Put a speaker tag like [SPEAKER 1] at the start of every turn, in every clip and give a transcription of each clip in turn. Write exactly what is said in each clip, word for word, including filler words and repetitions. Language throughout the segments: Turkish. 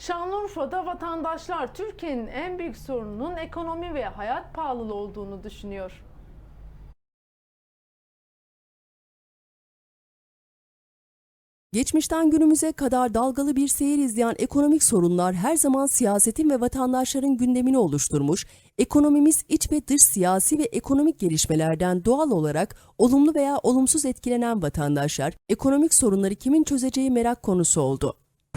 [SPEAKER 1] Şanlıurfa'da vatandaşlar Türkiye'nin en büyük sorununun ekonomi ve hayat pahalılığı olduğunu düşünüyor.
[SPEAKER 2] Geçmişten günümüze kadar dalgalı bir seyir izleyen ekonomik sorunlar her zaman siyasetin ve vatandaşların gündemini oluşturmuş, ekonomimiz iç ve dış siyasi ve ekonomik gelişmelerden doğal olarak olumlu veya olumsuz etkilenen vatandaşlar, ekonomik sorunları kimin çözeceği merak konusu oldu.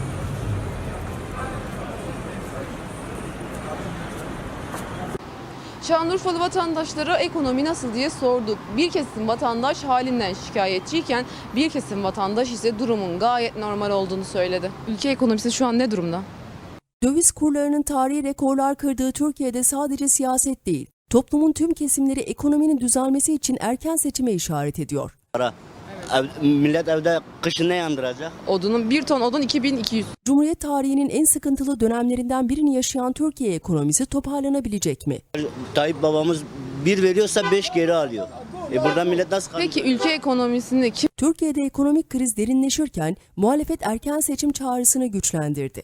[SPEAKER 3] Şanlıurfalı vatandaşlara ekonomi nasıl diye sorduk. Bir kesim vatandaş halinden şikayetçiyken bir kesim vatandaş ise durumun gayet normal olduğunu söyledi. Ülke ekonomisi şu an ne durumda?
[SPEAKER 2] Döviz kurlarının tarihi rekorlar kırdığı Türkiye'de sadece siyaset değil, toplumun tüm kesimleri ekonominin düzelmesi için erken seçime işaret ediyor.
[SPEAKER 4] Para. Ev, millet evde kışın ne yandıracak?
[SPEAKER 3] Odunun bir ton odun iki bin iki yüz.
[SPEAKER 2] Cumhuriyet tarihinin en sıkıntılı dönemlerinden birini yaşayan Türkiye ekonomisi toparlanabilecek mi?
[SPEAKER 4] Tayyip babamız bir veriyorsa beş geri alıyor. E buradan millet nasıl kalıyor?
[SPEAKER 3] Peki ülke ekonomisini kim?
[SPEAKER 2] Türkiye'de ekonomik kriz derinleşirken muhalefet erken seçim çağrısını güçlendirdi.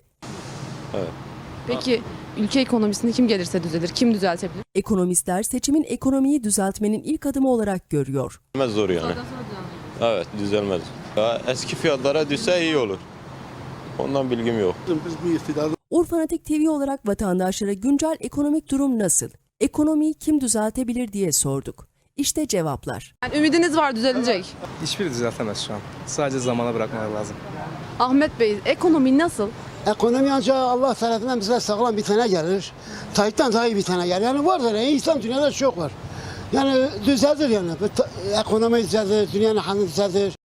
[SPEAKER 3] Peki ülke ekonomisini kim gelirse düzelir, kim düzeltebilir?
[SPEAKER 2] Ekonomistler seçimin ekonomiyi düzeltmenin ilk adımı olarak görüyor.
[SPEAKER 5] Düzelmez zor yani. Evet düzelmez. Ya eski fiyatlara düşse iyi olur. Ondan bilgim yok.
[SPEAKER 2] Urfanatik T V olarak vatandaşlara güncel ekonomik durum nasıl? Ekonomiyi kim düzeltebilir diye sorduk. İşte cevaplar.
[SPEAKER 3] Yani ümidiniz var düzelecek.
[SPEAKER 6] Hiçbiri düzeltemez şu an. Sadece zamana bırakmaları lazım.
[SPEAKER 3] Ahmet Bey ekonomi nasıl?
[SPEAKER 7] Ekonomi ancak Allah tarafından bize sağlam bir tane gelir. Tayyip'ten daha iyi bir tane gelir. Yani vardır. Yani İslam dünyada çok var. Yani düzeldir yani. Ekonomi düzeldir, dünyanın hali düzeldir.